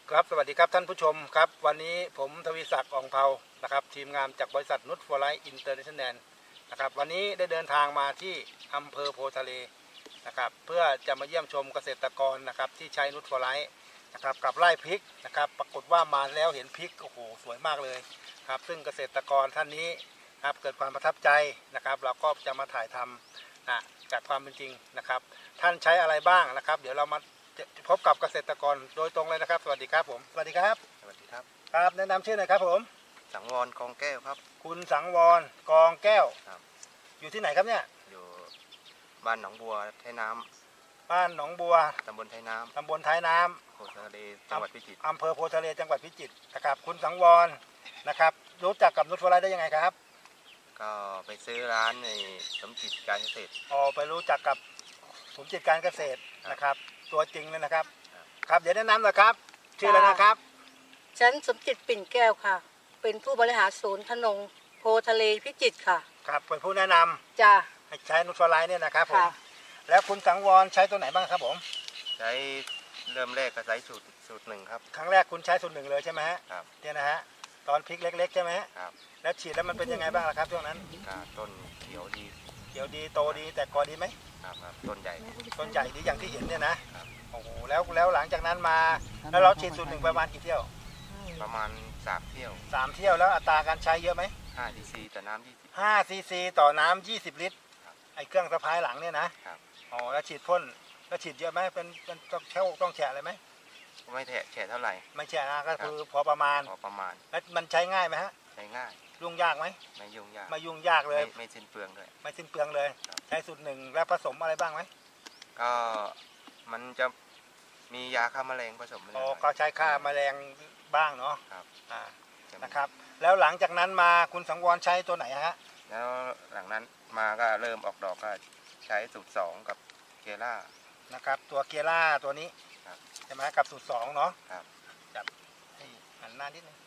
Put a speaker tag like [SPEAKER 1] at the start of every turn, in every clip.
[SPEAKER 1] ครับสวัสดีครับท่านผู้ชมครับวันนี้ผมทวีศักดิ์ อ่องเภานะครับทีมงานจากบริษัทนุชฟอร์ไลท์อินเตอร์เนชั่นแนลนะครับวันนี้ได้เดินทางมาที่อำเภอโพทะเลนะครับเพื่อจะมาเยี่ยมชมเกษตรกรนะครับที่ใช้นุชฟอร์ไลท์นะครับกับไร่พริกนะครับปรากฏว่ามาแล้วเห็นพริกโอ้โหสวยมากเลยครับซึ่งเกษตรกรท่านนี้ครับเกิดความประทับใจนะครับเราก็จะมาถ่ายทำจากความเป็นจริงนะครับท่านใช้อะไรบ้างนะครับเดี๋ยวเรามาพบกับเกษตรกรโดยตรงเลยนะครับสวัสดีครับผมสวัสดีครับ
[SPEAKER 2] สวัสดีครับ
[SPEAKER 1] ครับแนะนำชื่อหน่อยครับผม
[SPEAKER 2] สังวรกองแก้วครับ
[SPEAKER 1] คุณสังวรกองแก้ว
[SPEAKER 2] ครับ
[SPEAKER 1] อยู่ที่ไหนครับเนี่ย
[SPEAKER 2] อยู่บ้านหนองบัวไทยน้
[SPEAKER 1] ำบ้านหนองบัว
[SPEAKER 2] ตำบลไทยน้
[SPEAKER 1] ตำบลท้ายน้
[SPEAKER 2] ำโพธิ์ทะเลจังหวัดพิจิตร
[SPEAKER 1] อำเภอโพธิ์ทะเลจังหวัดพิจิตรนะครับคุณสังวรนะครับรู้จักกับนุชฟอร์ไลท์ได้ยังไงครับ
[SPEAKER 2] ก็ไปซื้อร้านในสมจิตการเกษตร
[SPEAKER 1] ไปรู้จักกับสมจิตการเกษตรนะครับตัวจริงเลยนะครับครับเดี๋ยวแนะนำหน่อยครับชื่ออะไรนะครับ
[SPEAKER 3] ฉันสมจิตปิ่นแก้วค่ะเป็นผู้บริหารศูนย์ธนงโพทะเลพิจิตรค่ะ
[SPEAKER 1] ครับเป็นผู้แนะนำ
[SPEAKER 3] จ้า
[SPEAKER 1] ให้ใช้นุชฟอร์ไลท์เนี่ยนะครับผมแล้วคุณสังวรใช้ตัวไหนบ้างครับผม
[SPEAKER 2] ใช้เริ่มแรกก็ใช้สูตรหนึ่งครับ
[SPEAKER 1] ครั้งแรกคุณใช้สูตรหนึ่งเลยใช่ไหมฮะ
[SPEAKER 2] ครับ
[SPEAKER 1] เนี่ยนะฮะตอนพริกเล็กๆใช่ไหม
[SPEAKER 2] ครับ
[SPEAKER 1] แล้วฉีดแล้วมันเป็นยังไงบ้างล่ะครับช่วงนั้น
[SPEAKER 2] ต้นเขียวดี
[SPEAKER 1] โตดีแต่กอดีไหม
[SPEAKER 2] ครับต้นใหญ่
[SPEAKER 1] ดีอย่างที่เห็นเนี่ยนะโอ้โหแล้วหลังจากนั้นมาแล้วเราฉีดสูตรหนึ่งประมาณกี่เที่ยว
[SPEAKER 2] ประมาณ3 เที่ยว
[SPEAKER 1] 3 เที่ยวแล้วอัตราการใช้เยอะไหม
[SPEAKER 2] 5 ซีซีต่อน้ำ
[SPEAKER 1] 5 ซีซีต่อน้ำ20 ลิตรไอ้เครื่องสะพายหลังเนี่ยนะครับแล้วฉีดพ่นแล้วฉีดเยอะไหมเป็นต้องแฉะเลยไหม
[SPEAKER 2] ไม่แฉะเท่าไหร่
[SPEAKER 1] ไม่แฉะนะก็คือพอประมาณแล้วมันใช้ง่ายไหมฮะ
[SPEAKER 2] ใช้ง่าย
[SPEAKER 1] ยุ่งยากไหม
[SPEAKER 2] ไม่ยุ่ง
[SPEAKER 1] ยากเลย
[SPEAKER 2] ไม่สิ้นเปลืองด้วย
[SPEAKER 1] ไม่สิ้นเปลืองเลยใช้สูตรหนึ่งแล้วผสมอะไรบ้างไหม
[SPEAKER 2] ก็มันจะมียาฆ่าแมลงผสม
[SPEAKER 1] ก็ใช้ฆ่าแมลงบ้างเนาะครับนะครับแล้วหลังจากนั้นมาคุณสังวรใช้ตัวไหนฮะ
[SPEAKER 2] แล้วหลังนั้นมาก็เริ่มออกดอกก็ใช้สูตร2กับเกล่า
[SPEAKER 1] นะครับตัวเกล่าตัวนี้ใช่ไหมกับสูตร2เนาะ
[SPEAKER 2] ครับ
[SPEAKER 1] จับให้หันหน้านิดนึง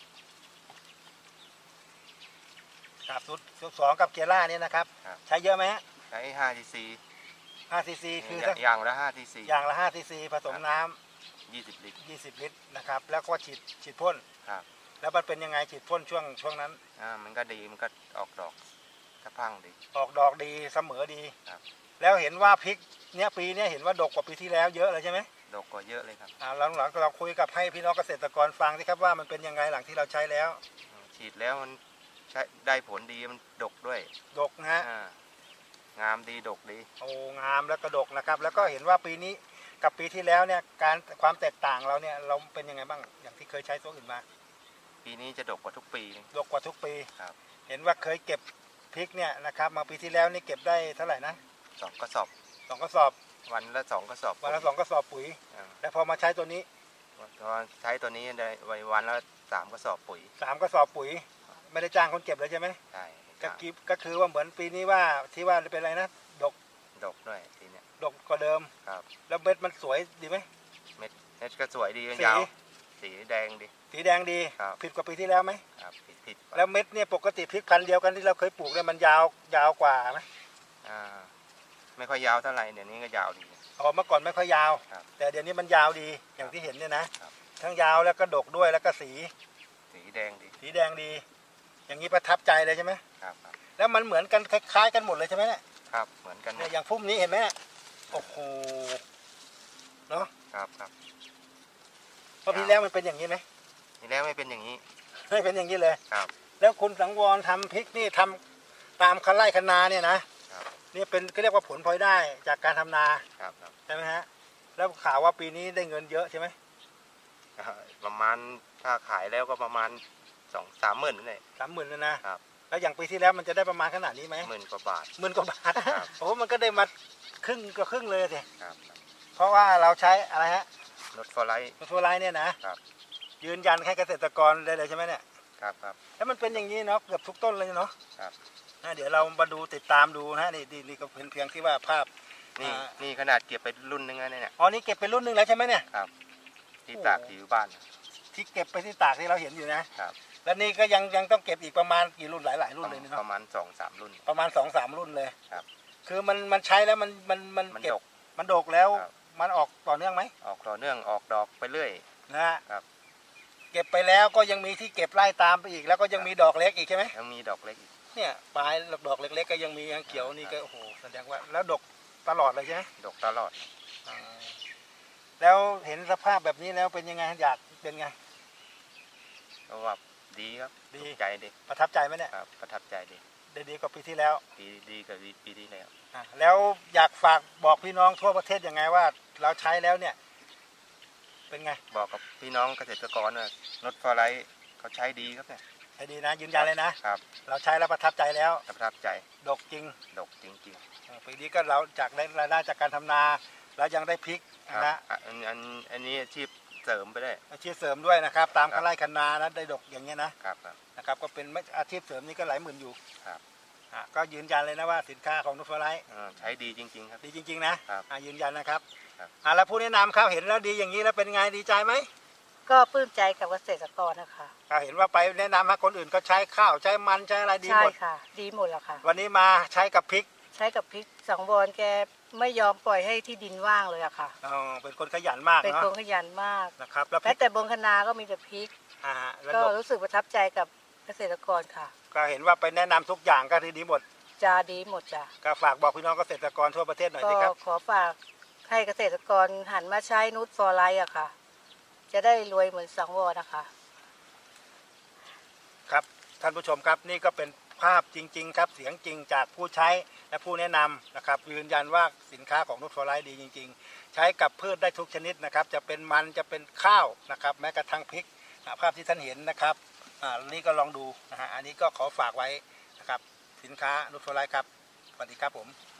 [SPEAKER 1] กับสูตร2กับเกล่านี่นะครับใช้เยอะไหม
[SPEAKER 2] ใช้5 ซีซี
[SPEAKER 1] 5 ซีซีคือ
[SPEAKER 2] อย่างละ5 ซีซี
[SPEAKER 1] 5 ซีซีผสมน้
[SPEAKER 2] ำ20 ลิตร
[SPEAKER 1] นะครับแล้วก็ฉีดพ่น
[SPEAKER 2] ครับ
[SPEAKER 1] แล้วมันเป็นยังไงฉีดพ่นช่วงนั้น
[SPEAKER 2] มันก็ดีมันก็ออกดอกกระพังดี
[SPEAKER 1] ออกดอกดีเสมอดีครับแล้วเห็นว่าพริกเนี้ยปีนี้เห็นว่าดกกว่าปีที่แล้วเยอะเลยใช่ไหม
[SPEAKER 2] ดกกว่าเยอะเลยครับ
[SPEAKER 1] หลังเราคุยกับให้พี่น้องเกษตรกรฟังสิครับว่ามันเป็นยังไงหลังที่เราใช้แล้ว
[SPEAKER 2] ฉีดแล้วมันใช้ได้ผลดีมันดกด้วย
[SPEAKER 1] ดกนะฮะ
[SPEAKER 2] งามดีดกดี
[SPEAKER 1] งามแล้วก็ดกนะครับแล้วก็เห็นว่าปีนี้กับปีที่แล้วเนี่ยความแตกต่างเราเนี่ยเราเป็นยังไงบ้างอย่างที่เคยใช้ตัวอื่นมา
[SPEAKER 2] ปีนี้จะดกกว่าทุกปี
[SPEAKER 1] ดกกว่าทุกปี
[SPEAKER 2] ครับ
[SPEAKER 1] เห็นว่าเคยเก็บพริกเนี่ยนะครับมาปีที่แล้วนี่เก็บได้เท่าไหร่นะ
[SPEAKER 2] 2 กระสอบ
[SPEAKER 1] วันละ2 กระสอบปุ๋ยแล้วพอมาใช้ตัวนี้
[SPEAKER 2] ใช้ตัวนี้ได้วันละ3 กระสอบปุ๋ย
[SPEAKER 1] 3 กระสอบปุ๋ยไม่ได้จ้างคนเก็บเลยใช่ไหม
[SPEAKER 2] ใช่
[SPEAKER 1] ก็คือว่าเหมือนปีนี้ว่าที่ว่าเป็นอะไรนะดก
[SPEAKER 2] ด้วยทีเนี้ย
[SPEAKER 1] ดกกว่าเดิม
[SPEAKER 2] ครับ
[SPEAKER 1] แล้วเม็ดมันสวยดีไหม
[SPEAKER 2] เม็ดก็สวยดียาวสีแดงดี
[SPEAKER 1] ผิดกว่าปีที่แล้วไหม
[SPEAKER 2] ครับผิด
[SPEAKER 1] แล้วเม็ดเนี่ยปกติพริกพันธุ์เดียวกันที่เราเคยปลูกเนี่ยมันยาวกว่าไหม
[SPEAKER 2] ไม่ค่อยยาวเท่าไหร่เดี๋ยวนี้ก็ยาวดี
[SPEAKER 1] เมื่อก่อนไม่ค่อยยาวแต่เดี๋ยวนี้มันยาวดีอย่างที่เห็นเนี่ยนะทั้งยาวแล้วก็ดกด้วยแล้วก็สี
[SPEAKER 2] แดงดี
[SPEAKER 1] อย่างนี้ประทับใจเลยใช่ไหม
[SPEAKER 2] ครับ
[SPEAKER 1] แล้วมันเหมือนกันคล้ายๆกันหมดเลยใช่ไหมเนี่ย
[SPEAKER 2] ครับเหมือนกัน
[SPEAKER 1] เนี่ยอย่างพุ่มนี้เห็นไหมโอ้โหเนาะ
[SPEAKER 2] ครับ
[SPEAKER 1] พอปีแล้วมันเป็นอย่างนี้ไหม
[SPEAKER 2] ปีแล้วไม่เป็นอย่างนี้
[SPEAKER 1] เลยครับแล้วคุณสังวรทำพริกนี่ทำตามคันไร่คันนาเนี่ยนะนี่เป็นก็เรียกว่าผลพลอยได้จากการทำนาใช่ไหมฮะแล้วข่าวว่าปีนี้ได้เงินเยอะใช่ไหม
[SPEAKER 2] ประมาณถ้าขายแล้วก็ประมาณ2-3 หมื่นนี่
[SPEAKER 1] 30,000นะครับแล้วอย่างปีที่แล้วมันจะได้ประมาณขนาดนี้ไหม
[SPEAKER 2] 10,000 กว่าบาท
[SPEAKER 1] โอ้มันก็ได้มาครึ่งเลยสิเพราะว่าเราใช้อะไรฮะ
[SPEAKER 2] นุชฟอร์ไล
[SPEAKER 1] ท์เนี่ยนะครับยืนยันให้เกษตรกรได้เลยใช่ไหมเนี่ย
[SPEAKER 2] ครับ
[SPEAKER 1] แล้วมันเป็นอย่างนี้เนาะเกือบทุกต้นเลยเนาะ
[SPEAKER 2] ครับ
[SPEAKER 1] เดี๋ยวเรามาดูติดตามดูนะนี่ก็เป็นเพียงที่ว่าภาพ
[SPEAKER 2] นี่ขนาดเก็บไปรุ่นนึงแล้วเนี่ย
[SPEAKER 1] นี่เก็บไปรุ่นนึงแล้วใช่ไหมเนี่ย
[SPEAKER 2] ครับที่ตากอยู่บ้าน
[SPEAKER 1] ที่เก็บไปที่ตากที่เราเห็นอยู่นะครับแล้วนี่ก็ยังต้องเก็บอีกประมาณกี่รุ่นหลายรุ่นเลยเนาะ
[SPEAKER 2] ประมาณ2-3 รุ่น
[SPEAKER 1] ประมาณ2-3 รุ่นเลย
[SPEAKER 2] ครับ
[SPEAKER 1] คือมันใช้แล้วมันเก็บมันดกแล้วมันออกต่อเนื่องไหม
[SPEAKER 2] ออกต่อเนื่องออกดอกไปเรื่อย
[SPEAKER 1] นะฮะ
[SPEAKER 2] ครับ
[SPEAKER 1] เก็บไปแล้วก็ยังมีที่เก็บไล่ตามไปอีกแล้วก็ยังมีดอกเล็กอีกใช่ไหม
[SPEAKER 2] ยังมีดอกเล็กอีก
[SPEAKER 1] เนี่ยปลายดอกเล็กๆก็ยังมียังเขียวนี่ก็โอ้โหแสดงว่าแล้วดกตลอดเลยใช่ไหม
[SPEAKER 2] ดกตลอด
[SPEAKER 1] อ่าแล้วเห็นสภาพแบบนี้แล้วเป็นยังไงอยากเป็นไง
[SPEAKER 2] ก็ว่าดีครับ
[SPEAKER 1] ดี
[SPEAKER 2] ถูกใจดี
[SPEAKER 1] ประทับใจไหมเนี่ย
[SPEAKER 2] ครับประทับใจดี
[SPEAKER 1] ได้ดีกว่าปีที่แล้ว
[SPEAKER 2] ดีกับปีที่แล้ว
[SPEAKER 1] แล้วอยากฝากบอกพี่น้องทั่วประเทศยังไงว่าเราใช้แล้วเนี่ยเป็นไง
[SPEAKER 2] บอกกับพี่น้องเกษตรกรว่านุชฟอร์ไลท์เขาใช้ดีครับเนี่ย
[SPEAKER 1] ใช้ดีนะยืนยันเลยนะครับ เราใช้แล้วประทับใจแล้ว
[SPEAKER 2] ประทับใจ
[SPEAKER 1] ดกจริง
[SPEAKER 2] ดกจริง
[SPEAKER 1] ปีนี้ก็เราจากได้รายได้จากการทำนาแล้วยังได้พริก
[SPEAKER 2] ๆครับ
[SPEAKER 1] นะ
[SPEAKER 2] อันนี้อาชีพเสริมไปได้
[SPEAKER 1] อาชีพเสริมด้วยนะครับ ตาม
[SPEAKER 2] ครับ
[SPEAKER 1] ไร่คันนานะได้ดกอย่างเงี้ยนะครับ
[SPEAKER 2] ครับ
[SPEAKER 1] นะครับก็เป็นอาชีพเสริมนี่ก็หลายหมื่นอยู่
[SPEAKER 2] ครับ
[SPEAKER 1] ก็ยืนยันเลยนะว่าสินค้าของนุชฟลาย
[SPEAKER 2] ใช้ดีจริงๆครับ
[SPEAKER 1] ดีจริงๆนะครับ ยืนยันนะครับแล้วผู้แนะนำเขาเห็นแล้วดีอย่างนี้แล้วเป็นไงดีใจไหม
[SPEAKER 3] ก็ปลื้มใจกับเกษตรกรนะคะ
[SPEAKER 1] เห็นว่าไปแนะนำให้คนอื่นก็ใช้ข้าวใช้มันใช้อะไรดี
[SPEAKER 3] ใช่
[SPEAKER 1] หมด
[SPEAKER 3] ค่ะ ดีหมดแล้วค่ะ
[SPEAKER 1] วันนี้มาใช้กับพริก
[SPEAKER 3] ใช้กับพริกสังวรแกไม่ยอมปล่อยให้ที่ดินว่างเลยอะค่ะ
[SPEAKER 1] เป็นคนขยันมาก
[SPEAKER 3] เป็น
[SPEAKER 1] เนาะ
[SPEAKER 3] คนขยันมาก
[SPEAKER 1] นะครับแล้วพ
[SPEAKER 3] แม้
[SPEAKER 1] ริก
[SPEAKER 3] แต่บนคนาก็มีแต่พริก
[SPEAKER 1] แล้ว
[SPEAKER 3] ก็
[SPEAKER 1] ดก
[SPEAKER 3] รู้สึกประทับใจกับเกษตรกรค่ะ
[SPEAKER 1] ก็เห็นว่าไปแนะนำทุกอย่างก็ดีหมด
[SPEAKER 3] จะดีหมดจ้ะ
[SPEAKER 1] ก็ฝากบอกพี่น้องเกษตรกรทั่วประเทศหน่อย
[SPEAKER 3] ก็
[SPEAKER 1] สิครับ
[SPEAKER 3] ขอฝากให้เกษตรกรหันมาใช้นูตฟอร์ไลท์อะค่ะ จะได้รวยเหมือนสังวรนะคะ
[SPEAKER 1] ครับท่านผู้ชมครับนี่ก็เป็นภาพจริงๆครับเสียงจริงจากผู้ใช้และผู้แนะนำนะครับยืนยันว่าสินค้าของนุชฟอร์ไลท์ดีจริงๆ ใช้กับพืชได้ทุกชนิดนะครับจะเป็นมันจะเป็นข้าวนะครับแม้กระทั่งพริกภาพที่ท่านเห็นนะครับนี่ก็ลองดูนะฮะอันนี้ก็ขอฝากไว้นะครับสินค้านุชฟอร์ไลท์ครับสวัสดีครับผม